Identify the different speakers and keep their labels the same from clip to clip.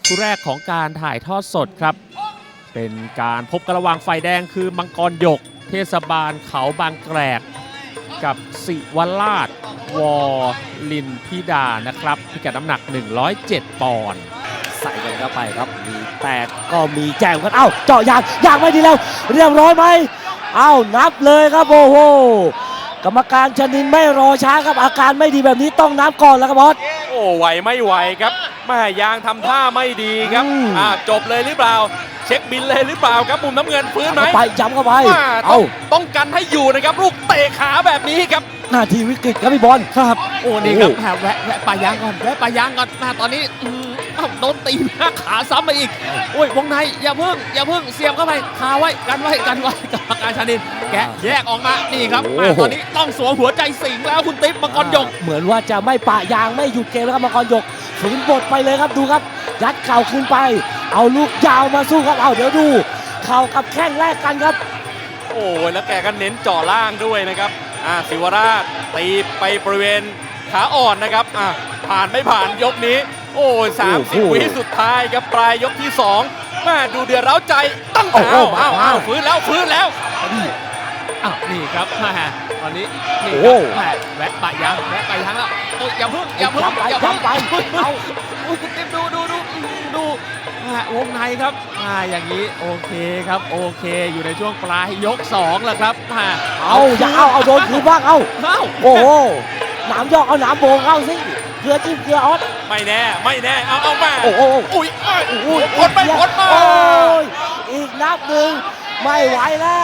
Speaker 1: คู่แรกของการถ่ายทอดสดครับเป็นการพบกันระหว่างฝ่ายแดงคือมังกรหยกเทศบาลเขาบางแกรกกับศิวราชวลินพิดานะครับพิกัดน้ำหนัก 107 ปอนด์
Speaker 2: ใส่กันเข้าไปครับมีแตกก็มีแจมกันเอ้าเจาะยางไม่ดีแล้วเรียบร้อยไหมเอ้านับเลยครับโอ้โหกรรมการชนินไม่รอช้าครับอาการไม่ดีแบบนี้ต้องนับก่อนแล้วครับบอส
Speaker 3: โอ้ไหวไม่ไหวครับแม่ยางทำท่าไม่ดีครับจบเลยหรือเปล่าเช็คบินเลยหรือเปล่าครับมุมน้ำเงินฟื้นไหม
Speaker 2: ไปย้ำเข้าไป
Speaker 3: ต้องกันให้อยู่นะครับลูกเตะขาแบบนี้ครับ
Speaker 2: นาทีวิกฤตครับพี่บอล
Speaker 1: ครับโอ้นี่ครับแวะปลายางก่อนแวะปลายางก่อนมาตอนนี้โดนตีหน้าขาซ้ำไปอีกโอ้ยวงในอย่าเพิ่งเสียบเข้าไปคาไว้กันไว้กรรมการชานินแกะแยกออกมานี่ครับตอนนี้ต้องสวมหัวใจสิงแล้วคุณติ๊บมังกรหยก
Speaker 2: เหมือนว่าจะไม่ปะยางไม่หยุดเกมแล้วครับมังกรหยกฝืนบทไปเลยครับดูครับยัดเข่าขึ้นไปเอาลูกยาวมาสู้ครับเอาเดี๋ยวดูเข่ากับแข้งแลกกันครับ
Speaker 3: โอ้แล้วแกก็เน้นจ่อล่างด้วยนะครับศิวราชตีไปบริเวณขาอ่อนนะครับผ่านไม่ผ่านยกนี้โอ้30 วิสุดท้ายครับปลายยกที่2มาดูเดือดเร้าใจตั้งเอาฟื้นแล้ว
Speaker 1: นี่ครับตอนนี้นี่ครับแวะปะยางแล้วอย่าเพิ่ง
Speaker 2: ไป
Speaker 1: เอาคุณติ๊บดูวงในครับอย่างนี้โอเคครับโอเคอยู่ในช่วงปลายยก2แล้วครับ
Speaker 2: เอาโดนคืนบ้างเอาโอ้โหหนามยอกเอาหนามโบงเข้าสิเกลือจิ้มเกลือออส
Speaker 3: ไม่แน่เอามา
Speaker 2: โอ้โห
Speaker 3: อุ้ยผลมา
Speaker 2: อีกนับหนึ่งไม่ไหวแล้ว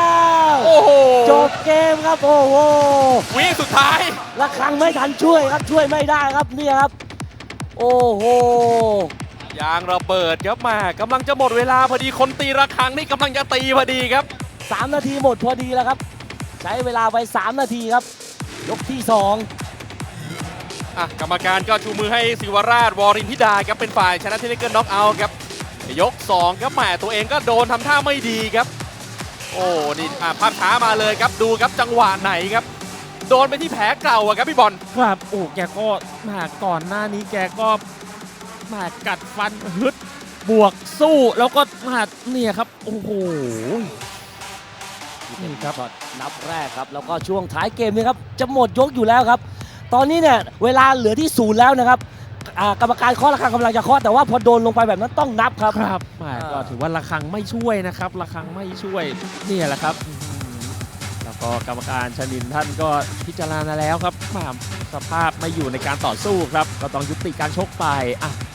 Speaker 3: โอ้โห
Speaker 2: จบเกมครับโอ้โห
Speaker 3: วิสุดท้าย
Speaker 2: ระฆังไม่ทันช่วยครับช่วยไม่ได้ครับเนี่ยครับโอ้โห
Speaker 3: ยางระเบิดครับมากำลังจะหมดเวลาพอดีคนตีระฆังนี่กำลังจะตีพอดีครับ
Speaker 2: 3 นาทีหมดพอดีแล้วครับใช้เวลาไป3 นาทีครับยกที่2
Speaker 3: กรรมการก็ชูมือให้ศิวราชวรินพิดาครับเป็นฝ่ายชนะเทคนิคน็อกเอาท์ครับยก2ครับแหมตัวเองก็โดนทำท่าไม่ดีครับโอ้นี่ภาพช้ามาเลยครับดูครับจังหวะไหนครับโดนไปที่แผลเก่าครับพี่บอล
Speaker 1: ครับโอ้แกก็ก่อนหน้านี้แกก็กัดฟันฮึดบวกสู้แล้วก็เนี่ยครับโอ้โห
Speaker 2: นี่ครับนับแรกครับแล้วก็ช่วงท้ายเกมนี้ครับจะหมดยกอยู่แล้วครับตอนนี้เนี่ยเวลาเหลือที่0แล้วนะครับกรรมการเคาะระฆังกำลังจะเคาะแต่ว่าพอโดนลงไปแบบนั้นต้องนับครับ
Speaker 1: ก็ถือว่าระฆังไม่ช่วยนะครับระฆังไม่ช่วยนี่แหละครับแล้วก็กรรมการชนินท่านก็พิจารณาแล้วครับสภาพไม่อยู่ในการต่อสู้ครับก็ต้องยุติการชกไป